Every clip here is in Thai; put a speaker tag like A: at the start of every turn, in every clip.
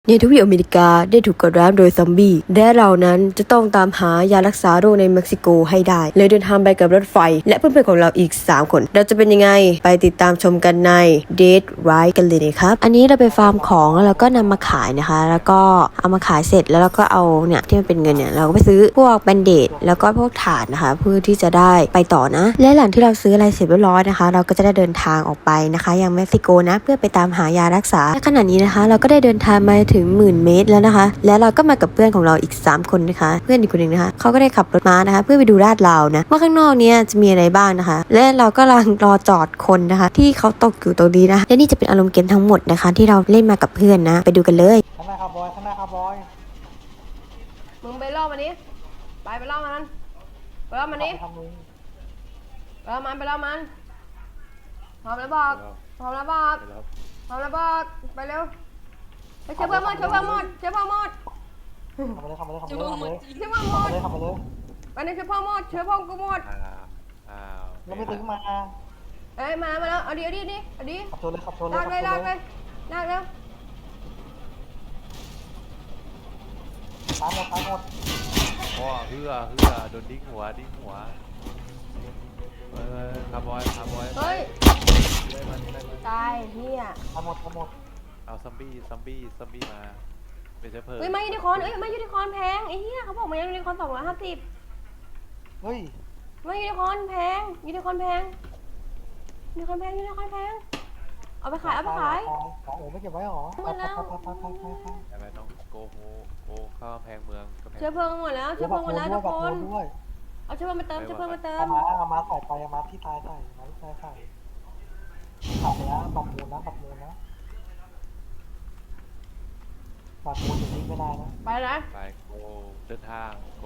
A: ในทวีปอเมริกาได้ถูกกดร้าวโดยซอมบี้และเรานั้นจะต้องตามหายารักษาโรคในเม็กซิโกให้ได้เลยเดินทางไปกับรถไฟและเพื่อนๆของเราอีก3คนเราจะเป็นยังไงไปติดตามชมกันใน Dead Ride กันเลยนะครับอันนี้เราไปฟาร์มของแล้วเราก็นำมาขายนะคะแล้วก็เอามาขายเสร็จแล้วเราก็เอาเนี่ยที่มันเป็นเงินเนี่ยเราก็ไปซื้อพวกแบนเดดแล้วก็พวกถ่านนะคะเพื่อที่จะได้ไปต่อนะและหลังที่เราซื้ออะไรเสร็จเรียบร้อยนะคะเราก็จะได้เดินทางออกไปนะคะยังเม็กซิโกนะเพื่อไปตามหายารักษาและขณะนี้นะคะเราก็ได้เดินทางมาถึง10,000 เมตรแล้วนะคะและเราก็มากับเพื่อนของเราอีก3คนนะคะเพื่อนอีกคนหนึ่งนะคะเขาก็ได้ขับรถม้านะคะเพื่อไปดูลาดราวนะว่าข้างนอกเนี้ยจะมีอะไรบ้างนะคะและเราก็กำลังรอจอดคนนะคะที่เขาตกอยู่ตรงนี้นะและนี่จะเป็นอารมณ์เกมทั้งหมดนะคะที่เราเล่นมากับเพื่อนนะไปดูกันเลย
B: ข้างหน้าครับบอยข้างหน้าครับบอย
C: มึงไปล่อมันนี้ไปล่อมันไปล่อมันนี้
B: ทำมือ
C: ไปล่อมันพร้อมแล้วบอกพร้อมแล้วบอกไปเร็วไปเชื่อเพิ่มหมด
B: ทำไปเลย
C: ไปนี่เชื่อเพิ่มหมดไปนี่เชื่อเพิ่มกูหมด
B: เราไม่ตึงมา
C: เอ้ยมาแล้วเอาดิ
B: ขับชนเลยขับชนเลย
C: ลากเลยลากเร็ว
B: ตายหมด
D: ว้าเฮือโดนดิ้งหัวคาร์บอย
C: เฮ้ย
D: ได้มัน
C: ตายเฮีย
B: ตายหมด
D: เอาซัมบี้มาเป็นเชื้อเพลิง
C: มายูนิคอร์นมายูนิคอร์นแพงไอ้เหี้ยเขาบอกมายูนิคอร์น250
B: เฮ้ย
C: มายูนิคอร์นแพงเอาไปขาย
B: ของโอ้ไม่เก็บไว้หรอ
C: หมดแล้ว
D: แต่ไม่ต้องโกเข้ากำแพงเมือง
C: เชื้อเพลิงหมดแล้วทุกคนเอาเชื้อเพลิงมาเติม
B: เอามาใส่ไปเอามาที่ตายใส่ขับแล้วปัดมูลนะปัดมูลอย่างนี้ไม่ได้นะ
D: ไปโกเดินทางโก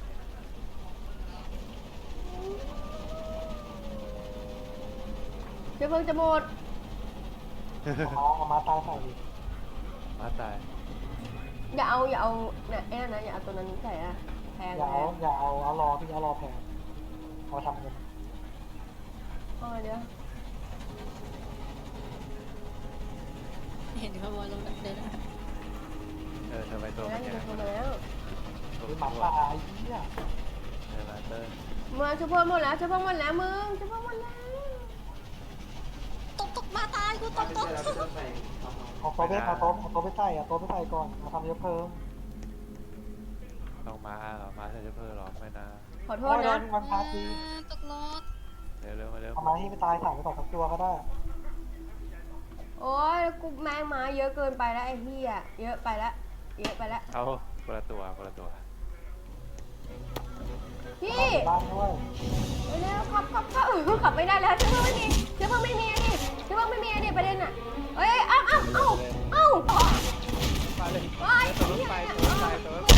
C: เชื้อเพลิงจะหมด
B: เอามาตายใส่ดิ
D: มาตาย
C: อย่าเอาเนี่ยแอนนะอย่าเอาตัวนั้นใส่อะแพง
B: อย่าเอารอพี่เอารอแพงเอาทำเงิน
C: เดี๋ยว
E: เห็นเขาบอยลงแบบเดิน
D: ทำไมตัวมันแข็ง
C: แล้ว
B: หมาตายเหี้ย
D: มาเตอร์
C: มาเชื้อเพลิงหมดแล้วมึงเชื้อเพลิงหมดแล้ว
E: ตกมาตายกูตก
B: เอาโต๊ะไปใส่โต๊ะไปใส่ก่อนมาทำเยอะเพิ่ม
D: ต้องมาใส่เชื้อเพลิงหรอไม่นะ
C: ขอโทษนะ
B: มันพาที
E: ตกรถ
D: เร็ว
B: เอามาให้ไปตายถ่ายไปก่อนสักตัวก็ได้
C: โอ้ยกูแมงมาเยอะเกินไปแล้วไอ้เหี้ยเยอะไปแล้ว
D: เอาคนละตัว
C: พี่
B: บ้านด้วย
C: เร็วขับไม่ได้แล้วเชื้อเพลิงไม่มีประเด็นอ่ะเอ้ยเอ้า
D: มาเลย
C: ตัวรถไฟไม่ตาย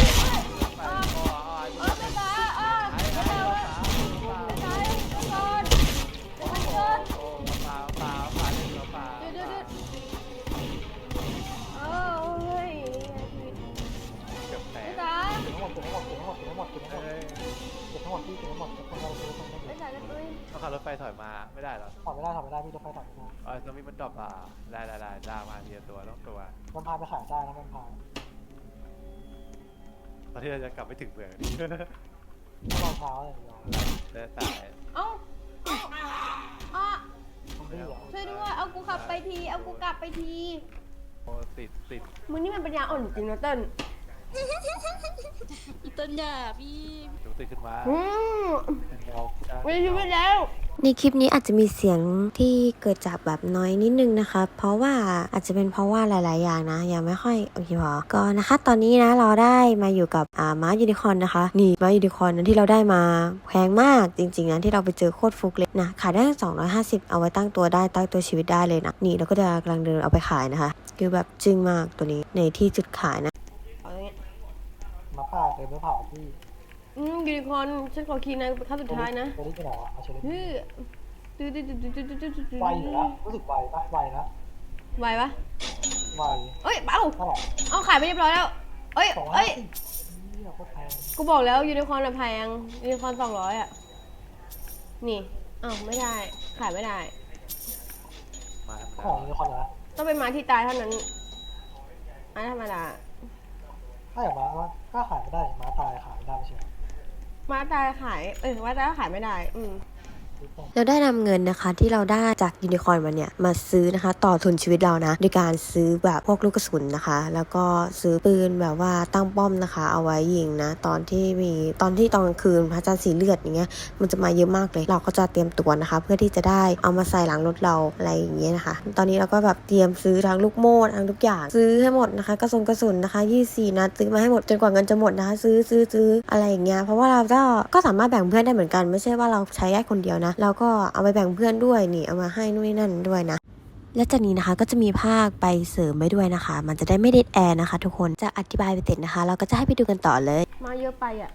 D: ต้องขับรถไฟถอยมาไม่ได้หรอ
B: ถอดไม่ได้พี่รถไฟถอดไม่ได้
D: ตรงนี้มันดรอปได้ล่ามาทีละตัวต้องตัว
B: มันพาไปขายได้นะมันพา
D: ตอนที่เราจะกลับไม่ถึงเมืองนี่
B: รองเท้าเลย
D: ได้ตาย
C: ช่วยด้วยเอากูกลับไปที
D: โอ้ติด
C: มึงนี่มันปัญญาอ่อนจริงนะเติ้ล
E: อีต้นยาพี่
D: ติดขึ้นมา
C: ไม่รู้แล้ว
A: ในคลิปนี้อาจจะมีเสียงที่เกิดจากแบบน้อยนิดนึงนะคะเพราะว่าอาจจะเป็นเพราะว่าหลายๆอย่างนะยังไม่ค่อยโอเคพอก็นะคะตอนนี้นะเราได้มาอยู่กับม้ายูนิคอร์นนะคะนี่ม้ายูนิคอร์นนั้นที่เราได้มาแพงมากจริงๆนะที่เราไปเจอโคตรฟุกเลยนะขายได้250เอาไว้ตั้งตัวชีวิตได้เลยนะนี่เราก็จะกำลังเดินเอาไปขายนะคะคือแบบจึ้งมากตัวนี้ในที่จุดขายนะ
B: มาผ่าเลยไม่ผ่าพี่
C: ยูนิคอร์นฉันขอคีย์ในขั้นสุดท้ายนะ
B: ตัวนี้จะไหนวะเอาเฉลยไวอยู่นะรู้สึกไวปะ
C: ไวปะเอ้ยเอาขายไปเรียบร้อยแล้วเอ้ยกูบอกแล้วยูนิคอร์นแพงยูนิคอร์น200อ่ะนี่ไม่ได้ขายไม่ได้
B: ของยูนิคอร์นเหรอ
C: ต้องเป็นม้าที่ตายเท่านั้นไม้ธรรมดา
B: ถ้าอย่างม้าก็ขายไม่ได้ม้าตายขายไม่ได้ไม่ใช่เหรอ
C: ม้าตายขายม้าตายก็ขายไม่ได้
A: เราได้นำเงินนะคะที่เราได้จากยูนิคอร์นมาเนี่ยมาซื้อนะคะต่อทุนชีวิตเรานะโดยการซื้อแบบพวกลูกกระสุนนะคะ แล้วก็ซื้อปืนแบบว่าตั้งป้อมนะคะ เอาไว้ยิงนะตอนกลางคืนพระจันทร์สีเลือดอย่างเงี้ยมันจะมาเยอะมากเลยเราก็จะเตรียมตัวนะคะ เพื่อที่จะได้เอามาใส่หลังรถเราอะไรอย่างเงี้ยนะคะ ตอนนี้เราก็แบบเตรียมซื้อทั้งลูกโม่ทั้งทุกอย่างซื้อให้หมดนะคะกระสุนนะคะ24นัดซื้อมาให้หมดจนกว่าเงินจะหมดนะคะซื้ออะไรอย่างเงี้ยเพราะว่าเราก็สามารถแบ่งเพื่อนได้เหมือนกันไม่ใช่ว่าเราใช้ได้คนเดียวนะเราก็เอาไปแบ่งเพื่อนด้วยนี่เอามาให้นู่นนี่นั่นด้วยนะและจากนี้นะคะก็จะมีภาคไปเสริมไปด้วยนะคะมันจะได้ไม่เด็ดแอร์นะคะทุกคนจะอธิบายไปเสร็จนะคะเราก็จะให้ไปดูกันต่อเลย
C: มาเยอะไปอ่ะ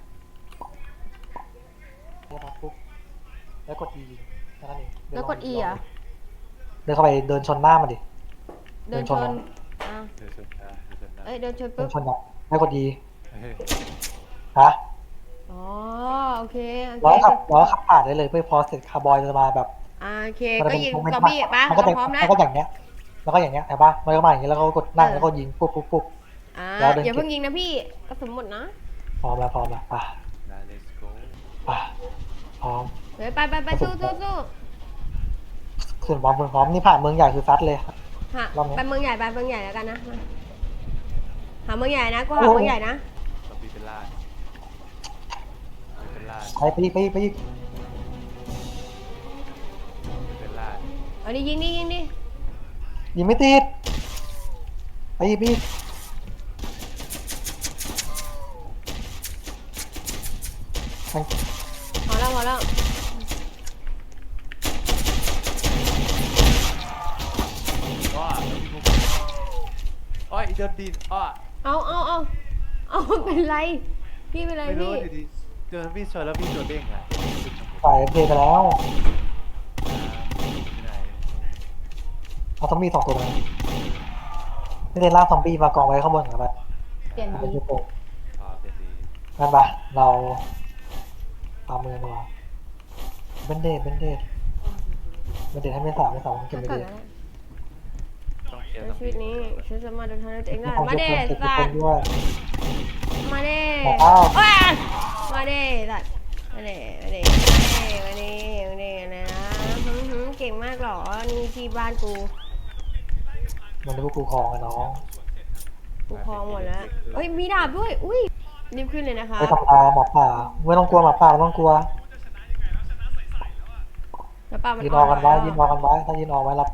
B: เดินมาปุ๊บแล้วกด E แค่นั้นเอง
C: แล้วกด E อ่ะ
B: เดินเข้าไปเดินชนหน้ามันดิ
C: เดินชน
D: เดี๋ยวชนได้เดี๋ยวชนได้
C: เดินชน
B: เดิ
C: ปุ๊
B: น
C: บ
B: ชนอ่ะแล้วกด E
D: เฮ้ย
B: ฮะ
C: อ๋อโอเค
B: ร้อยขับผ่านได้เลยเพื่อพอเสร็จคาร์บอยจะมาแบบ
C: โอเคก็ยิงซอมบี้ป่ะ
B: มันก็จะ
C: พร้อมแล้ว
B: มันก็อย่างเงี้ยแล้วก็อย่างเงี้ยแต่ป่ะมันก็มาอย่างเงี้ยแล้วก็กดนั่งแล้วก็ยิงปุ๊บ
C: อย่าเพิ่งยิงนะพี่กระสุนหมดนะ
B: พร้อมแล้วป่ะ
D: let's go
B: ป่ะพร้อม
C: เฮ้ยไปสู้
B: ขึ้นพร้อมนี่ผ่านเมืองใหญ่คือซัดเลย
C: ไปเมืองใหญ่แล้วกันนะหาเมืองใหญ่นะก็หาเมืองใหญ่นะ
D: ต้องปีเป็นล่าเป็นล่า
B: ไปเป็นล่า
C: เอาดิยิงดิ
B: ยิงไม่ติดไป
C: พอแล้ว
D: อ้ออีเดินดินอ้อ
C: เอาเป็นไรพี่เป็นไร
D: ไม่รู้
C: พี่
D: ดิเดินพี่ชนแล้วพี่โดนเด้งอ่ะ
B: ฝ่ายเพลไปแล้ว
D: ที่ไหน
B: เอาซอมบี้2 ตัวนะไม่ได้ล่าซอมบี้มากองไว้ข้างบนเหรอปะ
C: เปลี่ยนดี
D: เป็นดี
B: งั้นปะเราตามมือมาเบนเดดให้ไม่สาวเก็บไปดี
C: ในชีวิตนี้ฉันสามารถเดินทางด้วยตัวเองได้มาเด้สัตว์มาเด้มาเด้สัตว์มาเด้อะไรนะเก่งมากหรอนี่ที่บ้านกู
B: มันเป็นพวกกูคลองอะน้อง
C: กูคลองหมดแล้วเฮ้ยมีดาบด้วยอุ้ยรีบขึ้นเลยนะคะ
B: ไปทำตาหมอป่าไม่ต้องกลัวหมอป่าไม่ต้องกลัวยืนออกกันไว้ถ้ายืนออกไว้รับ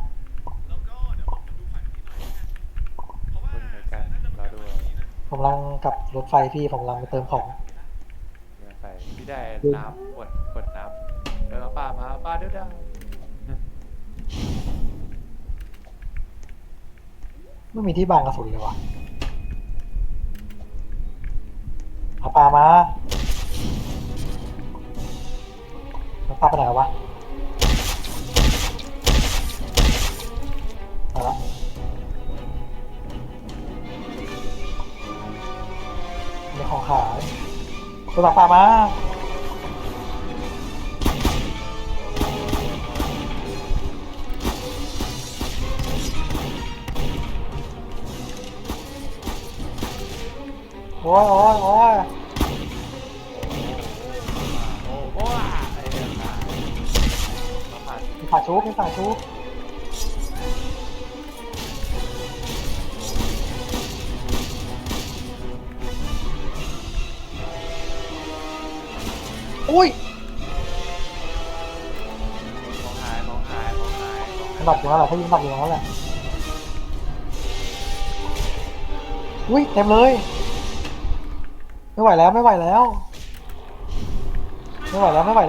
B: ผมกำลังกับรถไฟพี่ผมกำลังไปเติมของ
D: ไฟพี่ได้น้ำกดน้ำเดินป้าเด้อ
B: ไม่มีที่บังกระสุนเลยวะเอาปลามาแล้วปลาไปไหนวะมาละมีของขายตัวปลามาโอ้ย
D: ไอ้เนี่ย
B: มีฝาชุบอุ้ย
D: ของหาย
B: มันดับอยู่แล้วแหละถ้ายิงดับอยู่แล้วแหละอุ้ยเต็มเลยไม่ไหวแล้วต้องไปแล้วไป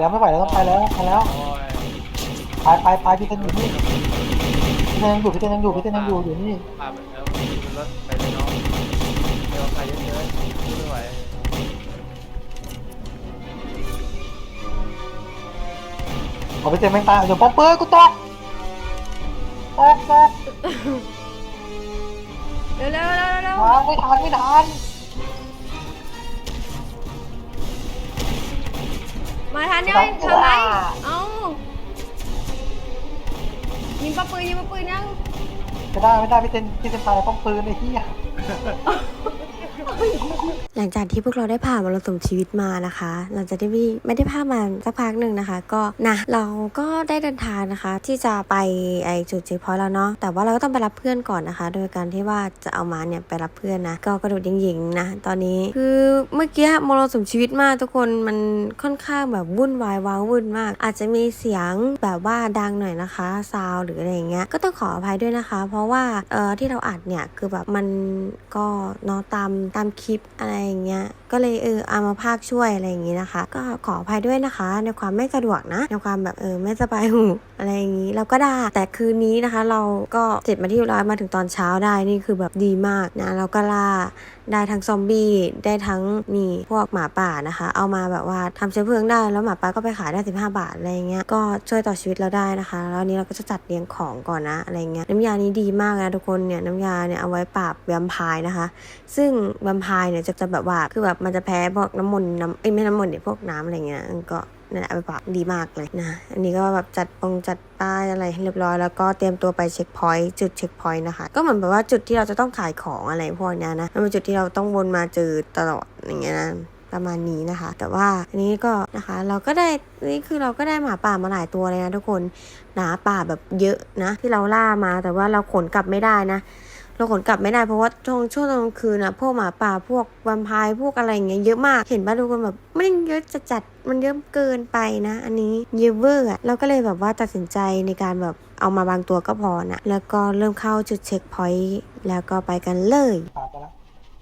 B: พี่เต้นอยู่นี่พี่เต้นยังอยู่อยู่นี่
D: แล้วรถไปเลยน้องเดี๋ยวใครเยอะๆไม่ไหว
B: เอาไปเต้นแม่งตายเดี๋ยวป๊อปเปอร์กูตก
C: เร็ว
B: ไม่ทัน
C: มาทันยังทำไมเอ้ายิงปะปืนยัง
B: จะได้ไม่ได้พี่เซนตายต้องปืนไอ้เหี้ย
A: หลังจากที่พวกเราได้ผ่านมรสุมชีวิตมานะคะ หลังจากที่ไม่ได้ผ่านมาสักพักหนึ่งนะคะ ก็นะเราก็ได้เดินทางนะคะ ที่จะไปไอจุดเช็คพอยต์แล้วเนาะแต่ว่าเราก็ต้องไปรับเพื่อนก่อนนะคะ โดยการที่ว่าจะเอามาเนี่ยไปรับเพื่อนนะก็กระโดดหยิงๆนะตอนนี้คือเมื่อกี้มรสุมชีวิตมากทุกคนมันค่อนข้างแบบวุ่นวายว้าวุ่นมาก อาจจะมีเสียงแบบว่าดังหน่อยนะคะซาวหรืออะไรอย่างเงี้ยก็ต้องขออภัยด้วยนะคะ เพราะว่าที่เราอัดเนี่ยคือแบบมันก็เนาะตามคลิปอะไรอย่างเงี้ยก็เลยเอามาพากช่วยอะไรอย่างงี้นะคะ ก็ขออภัยด้วยนะคะในความไม่สะดวกนะในความแบบไม่สบายหูอะไรอย่างงี้เราก็ได้แต่คืนนี้นะคะ เราก็เสร็จมาที่ร้อยมาถึงตอนเช้าได้นี่คือแบบดีมากนะเราก็ล่าได้ทั้งซอมบี้ได้ทั้งนี่พวกหมาป่านะคะ เอามาแบบว่าทำเชื้อเพลิงได้แล้วหมาป่าก็ไปขายได้15 บาทอะไรเงี้ยก็ช่วยต่อชีวิตเราได้นะคะแล้วนี้เราก็จะจัดเรียงของก่อนนะอะไรเงี้ยน้ำยานี้ดีมากนะทุกคนเนี่ยน้ำยาเนี่ยเอาไว้ปราบแวมไพร์นะคะซึ่งแวมไพร์เนี่ยจะแบบว่าคือแบบมันจะแพ้พวกน้ำมนต์ไม่น้ำมนต์เนี่ยพวกน้ำอะไรเงี้ยก็นั่นแหละเอาไปปราบดีมากเลยนะอันนี้ก็แบบจัดป้ายอะไรให้เรียบร้อยแล้วก็เตรียมตัวไปเช็คพอยต์จุดเช็คพอยต์นะคะก็เหมือนแบบว่าจุดที่เราจะต้องขายของอะไรพวกนี้นะมันเป็นจุดที่เราต้องวนมาเจอตลอดอย่างเงี้ยนะประมาณนี้นะคะแต่ว่าอันนี้ก็นะคะเราก็ได้นี่คือเราก็ได้หมาป่ามาหลายตัวเลยนะทุกคนหมาป่าแบบเยอะนะที่เราล่ามาแต่ว่าเราขนกลับไม่ได้นะเราขนกลับไม่ได้เพราะว่าช่วงตอนกลางคืนนะพวกหมาป่าพวกแวมไพร์พวกอะไรอย่างเงี้ยเยอะมากเห็นป่ะทุกคนแบบไม่เยอะจัดมันเยอะเกินไปนะอันนี้เยอะเวอร์เราก็เลยแบบว่าตัดสินใจในการแบบเอามาบางตัวก็พอนะแล้วก็เริ่มเข้าจุดเช็คพอยต์แล้วก็ไปกันเลย
B: ตามไปแล้ว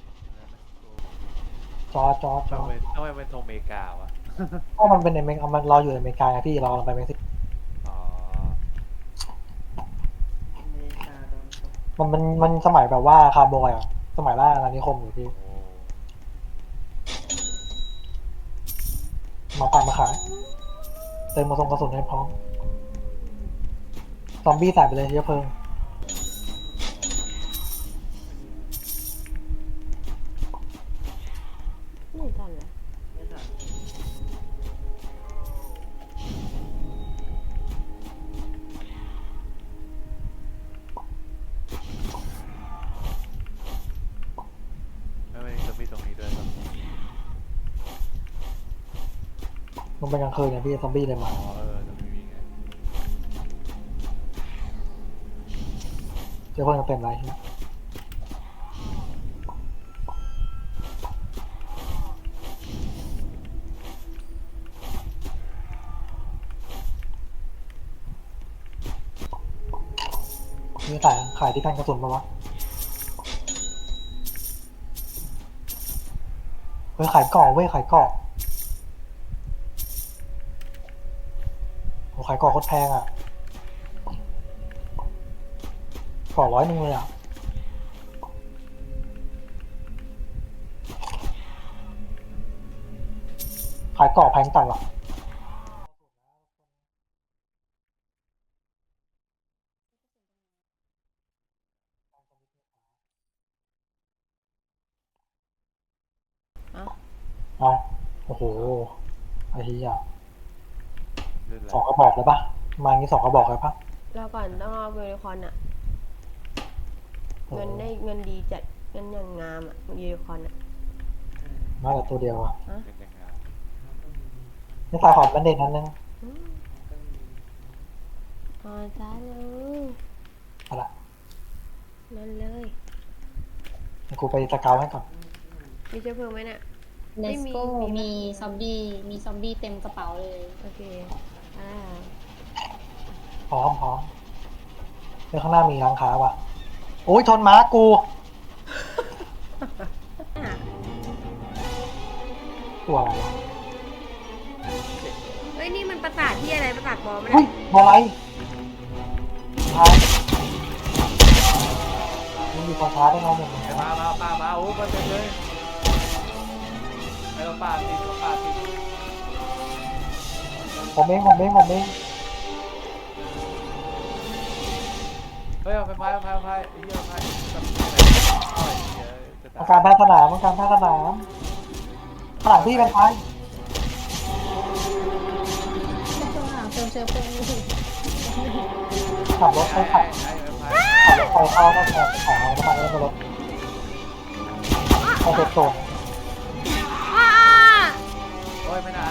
B: จอ
D: ทำไมเป็นธงอเมริกาวะ
B: ก็มันเป็นในเมกมันรออยู่ในอเมริกาไงพี่เราลงไปเม็กซิโก
D: อ๋อ
B: มันสมัยแบบว่าคาร์บอยอ่ะสมัยล่าอาณานิคมอยู่พี่
D: โอ้
B: มาป่ามาขายเติมมาส่งกระสุนให้พร้อมซอมบี้ใส่ไปเลยเยอะเพลิง
C: ไม่ทันเลย
D: ไม่จะมีตรงนี้ด้วยครับ
B: มันเป็นกลางคืนไงพี่ซอมบี้เลยมา
D: อ๋อตรงนี้มีไง
B: เยอะเพลิงเต็มเลยนี่ขายที่แท่นกระสุนปะวะเฮ้ยขายเกาะเว้ยขายเกาะโหขายเกาะโคตรแพงอ่ะเกาะ100เลยอ่ะขายเกาะแพงจัดหรอเอาโอ้โหไอ้เหี้ย
D: เลื่อนอะไร
B: 2 กระบอกเลยปะมางี้2 กระบอกเลยปะ
C: เราก่อนต้องเอายูนิคอร์นอะเงินได้เงินดีจัดเงินอย่างงามอะยูนิคอร์นอะ
B: มาแต่ตัวเดียวอ่ะ
D: เป็นยังไง
B: นี่ขายของเป็นเด็กนั้นนึง
C: อ๋อจ้าเลย
B: อะไร
C: นั่นเลย
B: เดี๋ยวกูไปสเกาให้ก่อน
C: มีเชื้อเพลิงไหมเนี่ย
E: เน
C: ไม่
E: ส
C: มี
E: โก้
C: มีไหม
E: มีซอมบี้เต็มกระเป๋าเลย
C: โอเคอ่า
B: พร้อมเดี๋ยวข้างหน้ามีร้านค้าป่ะโอ้ยชนม้ากู ตัวอะไรวะ
C: เฮ้ยนี่มันประสาทที่อะไรประสาทบอม
B: เฮ้ยอะไรช้ามันมีความช้าได้ไงเนี่ย
D: ไอ้มาป้าโอ้มาเต็มเลยไอ้ป้าติด
B: ผมเอง
D: เฮ้ยเอาไปไอ้เหี้ยไปจะ
B: ต้องการแพทย์สนามข้างหลังพี่เป็นไฟ
E: ข้างหลังเติมเชื้อเพลิงอยู่
B: ขับรถไปขับ
D: ไอ้
B: ขับรถไฟเข้าก็แทนขายน้ำมันแล้วก็รถเข้าเซฟโซน
C: อ้า
D: โอ้ยไม่ไหน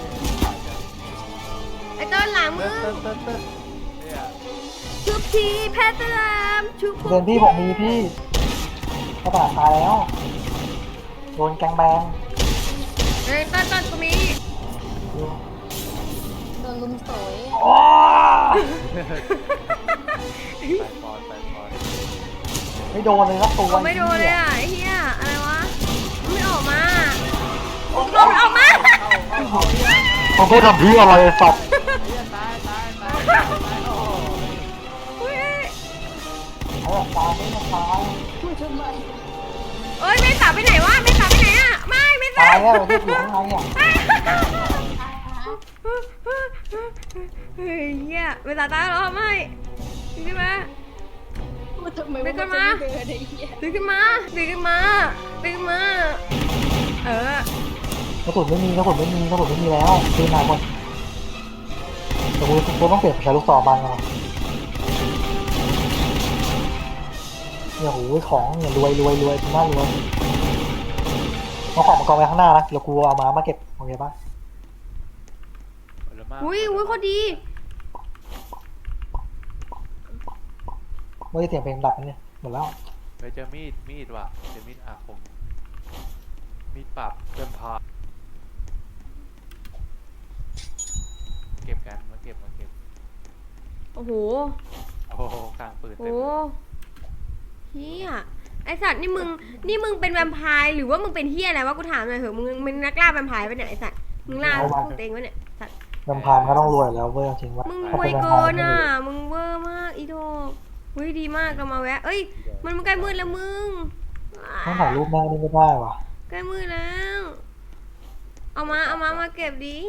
C: ไอ้ต้นหลังมึ
D: เติ้
C: ง
D: ลเติ้ลเติ้ลเนี่ย
C: ชุบทีแพทย์สลามชุบ
B: เดือนพี่ผมมีพี่กระดาษตายแล้วโดนแกงแบง
C: เอ้ยต้นกูมี
E: โดนลุมโสย
B: โอ้
D: ไปก่อนไปก่อน
B: ไม่โดนเลยครับตัว
C: ไม่โดนเลยอ่ะไอ้เหี้ยอะไรวะไม่ออกมาโดนออกมา
B: ผมไม่ทำพี่อะไรสัตว์
D: ตายโอ้โห
C: อุ้ย
B: ไอ้แบบตายไม่มาตาย
E: พูดทำไม
C: เอ้ยเมษาไปไหนวะเมษาไปไหนอ่ะไม่เมษา
B: ตายแล้วที่อยู่ข้างในอ่ะ
C: เฮ้ยเหี้ยเมษาตายแล้วเหรอไม่ดึงขึ้นมา
E: พูดทำไม
C: ไป
E: ว่า
C: ก่
E: มั
C: อน
E: นจะ
C: มา
E: ไม่เดินไอ้เหี้ย
C: ดึงขึ้นมาดึงขึ้นมาดึงขึ้นมาเออก
B: ระสุนไม่มีแล้วปืนหายหมดแต่กูต้องเปลี่ยนใช้ลูกศรบางไงเนี่ยโหของเนี่ยรวยน่ารวยเอาของมากองไว้ข้างหน้านะเดี๋ยวกูเอามาเก็บโอเคปะ
C: อุ้ยโคตรดี
B: ไม่ได้เสียงเพลงดับนะเนี่ยหมดแล้ว
D: ไปเจอมีดว่ะเจอมีดอาคมมีดปรับเติมพาเก็บกันมาเก็บ
C: โอ้โห
D: โอ้โหกลางปืน
C: โอ้
D: เต็ม
C: โหเฮียไอสัตว์นี่มึงเป็นแวมไพร์หรือว่ามึงเป็นเฮียอะไรวะกูถามหน่อยเถอะมึงเป็นนักล่าแวมไพร์ปะเนี่ยไอสัตว์มึงล่าพวกตัวเองวะเนี่ยสัตว์
B: ลำพานก็ต้องรวยแล้วเว้ยจริงว่า
C: มึงรวยเกินอ่ะมึงเวอร์มากอีโดเฮ้ยดีมากเรามาแวะเอ้ยมันใกล้มืดแล้วมึง
B: ต้องถ่ายรูปแม่นี่ไม่ได้ว่ะ
C: ใกล้มืดแล้วเอามาเก็บดิ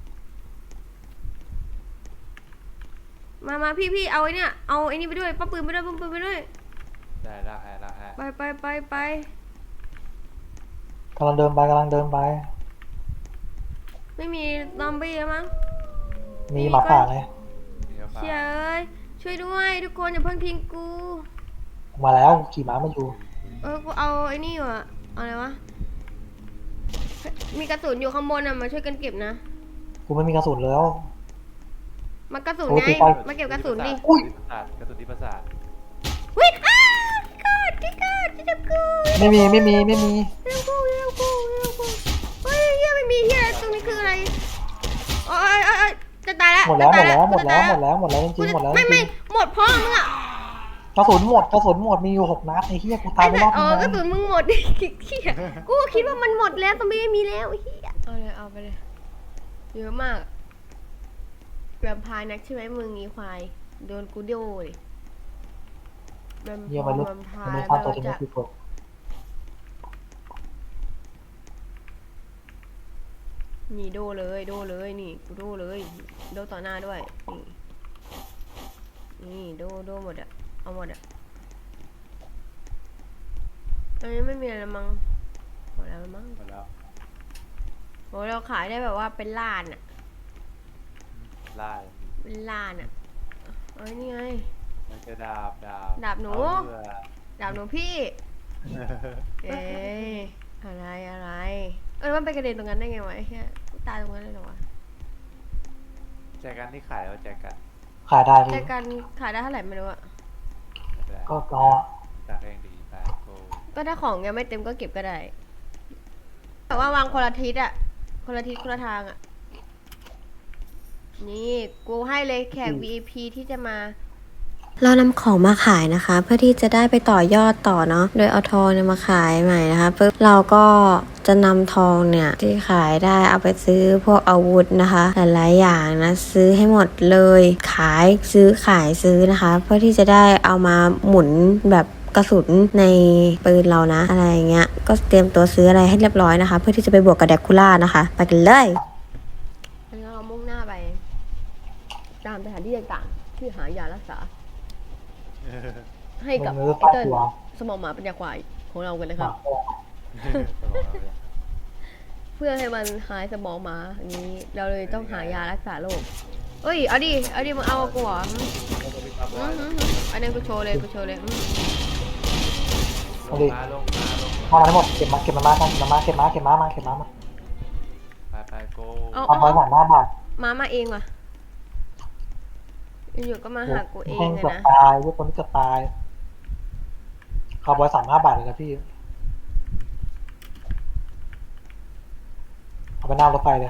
C: มาพี่เอาไอ้เนี่ยเอาไอ้นี่ไปด้วยป้าปืนไปด้วย
D: ได้ละฮะ
C: ไป
B: กำลังเดินไป
C: ไม่มีซอมบี้แล้วมั้ง
B: มีหมาป่าไง
D: เดี๋ยว
C: เชียเอ้ยช่วยด้วยทุกคนอย่าเพิ่งทิ้งกู
B: มาแล้วขี่ม้ามาอยู่
C: กูเอาไอ้นี่อยู่อะเอาอะไรวะมีกระสุนอยู่ข้างบนอะมาช่วยกันเก็บนะ
B: กูไม่มีกระสุนแล้ว
C: มากระสุน
B: โอ้
C: ไง
B: ตีไป
C: มาเก็บกระสุนดิ
B: อุ้ย
D: กระสุนที่ประสาท
C: วิ่งที่จับกู
B: ไม่มี
C: ที่จับกูเฮ้ยเฮียไม่มีเฮียตรงนี้คืออะไรโอ้ยจะตายแล้ว
B: หมดแล้ว
C: จะตาย
B: หมดแล้วจริงๆหมดแล้ว
C: ไม่หมดพ่อมึงอะ
B: กระสุนหมดมีอยู่6 นัดไอ้เหี้ยกูตายไปรอบนึง
C: กระสุนมึงหมดเฮียกูคิดว่ามันหมดแล้วตอนไม่มีแล้วเฮียเอาไปเลยเยอะมากแวมไพร์นักใช่ไหมมึงอีควายโดนกูโดเลยแวม
B: เหี้ยมัน
C: ไพ
B: ไม่
C: ร์
B: ฆ่าตัวที่ไม่คือคน
C: นี่โดเลยนี่กูโดเลยโดต่อหน้าด้วยนี่โดหมดอะเอาหมดอะตอนนี้ไม่มีอะไรแล้วมั้งหมดแล้วมั้ง
D: หมดแล้ว
C: โหเราขายได้แบบว่าเป็นล้านอะ
D: ล่า
C: เป็นล้านอะเอ้ยนี่ไง
D: มันจะดาบ
C: ดาบหนู
D: เอาเรือ
C: ดาบหนูพี่เอ๊ะอะไรมันไปกระเด็นตรงนั้นได้ไงวะไอ้เหี้ยกูตายตรงนั้นเลยเหรอวะ
D: แจกันที่ขายแล้วแจกัน
B: ขายได้
C: แต่
B: พี่
C: การขายได้เท่าไหร่ไม่รู้อะ
D: ไม่เป็นไร
B: ก็รอ
D: จากเองดีไปโก
C: ก็ถ้าของยังไม่เต็มก็เก็บก็ได้แต่ว่าวางคนละทิศอะคนละทิศคนละทางอะนี่กูให้เลยแขก VIP ที่จะมา
A: เรานำของมาขายนะคะ เพื่อที่จะได้ไปต่อยอดต่อเนาะโดยเอาทองเนี่ยมาขายใหม่นะคะปึ๊บเราก็จะนำทองเนี่ยที่ขายได้เอาไปซื้อพวกอาวุธนะคะหลายๆอย่างนะซื้อให้หมดเลยขายซื้อนะคะ เพื่อที่จะได้เอามาหมุนแบบกระสุนในปืนเรานะอะไรอย่างเงี้ยก็เตรียมตัวซื้ออะไรให้เรียบร้อยนะคะ เพื่อที่จะไปบวกกับแดกคูล่านะคะไปกันเลย
C: แล้วเรามุ่งหน้าไปตามสถานที่ต่างๆที่หายารักษา ให้กับ
B: มึงเลือก
C: ไอ้
B: ตัด
C: เติ้ล
B: ตัว
C: สมองหมาปัญญาควายของเรากันนะ
B: ห
C: ค
B: มา
C: รับ เพื่อให้มันหายสมองหมาอย่างนี้ เราเลยต้องหายารักษาโรคเอ้ยเอาดิมึงเอากูเหรอ
D: แล้วก็ไป
C: อันนั้นกูโชว์เลย
B: เอาดิ
D: ลงมา
B: มาทั้งหมดเก็บมากันมาเก็บม้ามา
D: ไปโก
B: เอาไปสาม5 บาท
C: มาเองว่ะอยู่ๆก็มาหากูเอง
B: แห้ง
C: เลย
B: เกือบ
C: นะ
B: ตายพวกคนที่เกือบตายคาร์บอย35 บาทเลยนะพี่เอาไปหน้ารถไฟเลย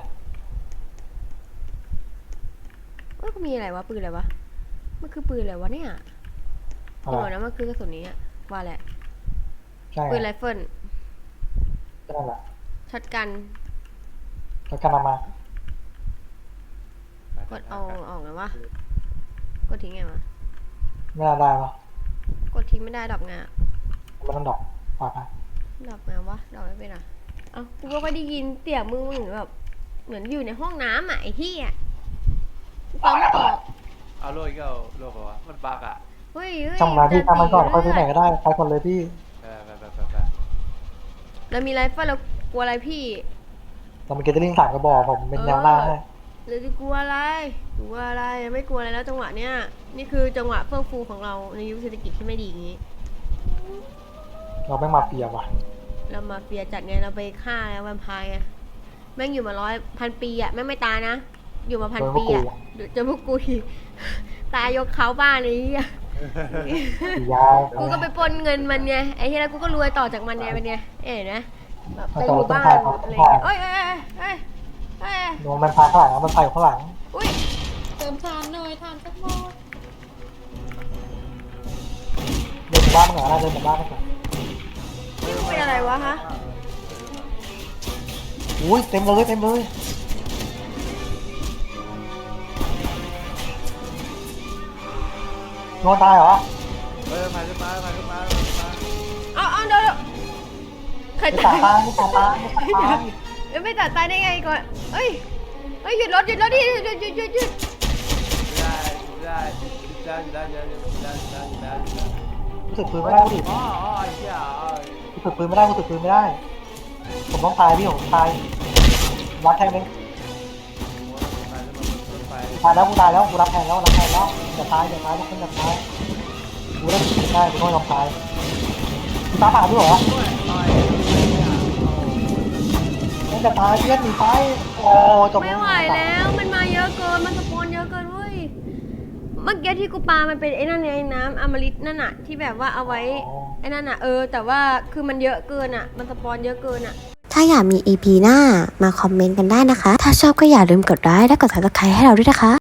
C: ว่าก็มีอะไรวะปืนอะไรวะมันคือปืนอะไรวะเนี่ย
B: เอา
C: เดี๋ยว
B: ไป
C: นะมันคือกระสุนนี้อะว่าแหละ
B: ใช่
C: ปืนไรเฟิล
B: ก็นั่นแหละ
C: ช็อตกัน
B: แล้วกันเอามาก
C: ดเอาออกไงวะกดทิ้งไงวะ
B: ไม่น่าได้ปะ
C: กดทิ้งไม่ได้ดอกไงอะ
B: มันต้องดอกฝากไป
C: ดอกไงวะดอกไม่เป็นอ่ะเอ้ากูก็ไม่ได้ยินเสียงมึงเหมือนแบบเหมือนอยู่ในห้องน้ำอ่ะไอ้ที่อ่ะฟังไม่ออก
D: เอาโลอีกเอาโลกวะมันบักอ่ะ
C: เฮ้ย
B: ช่างมาพี่ทำมันก่อนค่อยซื้อไหนก็ได้ไปก่อนเลยพี่
D: ไป
C: แล้วมีไรเฟิลแล้วกลัวอะไรพี่
B: เรามีเกตเตอร์ลิง3 กระบอกผมเป็นแนวหน้าให้
C: หรือจะกลัวอะไรไม่กลัวอะไรแล้วจังหวะเนี้ยนี่คือจังหวะเฟื่องฟูของเราในยุคเศรษฐกิจที่ไม่ดีอย่างนี้
B: เราไม่มาเฟียว่ะ
C: เรามาเฟียจัดไงเราไปฆ่าแล้วแวมไพร์ไงแม่งอยู่มา100,000 ปีอ่ะแม่งไม่ตายนะอยู่มา1,000 ปีอ่ะเดี๋ยวจะพวกกูอีกตายยกเขาบ้านเลยอ่ะ
B: ยาว
C: กูก็ไปปล้นเงินมันไงไอ้ที่แล้วกูก็รวยต่อจากมันไงเป็นไงเอ๋นะแบบไปอยู่บ้านอะไรเงี้ยเอ้ย
B: โดนมันพาข้างหลังมันไปข้างหลัง
C: อุ้ย
E: เติมทานหน่อยทานสักหมด
B: เดินหมู่บ้านมันเหรอเดินหมู่บ้านมันเหรอ
C: นี่มันเป็นอะไรวะฮะ
B: อุ้ยเต็มเลยโดนตายเหรอ
D: มาขึ้นมา
C: เอาเดี๋ยวใคร
B: ไม่
C: ตา
B: ตาย ไม่ตาย
C: ไม่ตัดตายได้ไงก่อนเอ้ยหยุดรถดิหยุด
D: ได้
B: รู้สึกปืนไม่ได้ดิ
D: อ๋อไอ้เหี้ย
B: รู้สึกปืนไม่ได้ผมต้องตายพี่ผมตายรับแทนเลยตายแล้วกูรับแทนแล้วอย่าตายทุกคนอย่าตายกูได้ผิดได้กูต้องยอมตายกูตาผ่าด้วยเหรอไม่จะตายเพื่อนหนีไปโอ้จบ
C: ไม่ไหวแล้วมันมาเยอะเกินมันสปอนเยอะเกินเว้ยเมื่อกี้ที่กูปามันเป็นไอ้นั่นไงน้ำอมฤตนั่นน่ะที่แบบว่าเอาไว้ไอ้นั่นน่ะแต่ว่าคือมันเยอะเกินอ่ะมันสปอนเยอะเกินอ่ะ
A: ถ้าอยากมี EP หน้ามาคอมเมนต์กันได้นะคะ ถ้าชอบก็อย่าลืมกดไลค์และกด Subscribe ให้เราด้วยนะคะ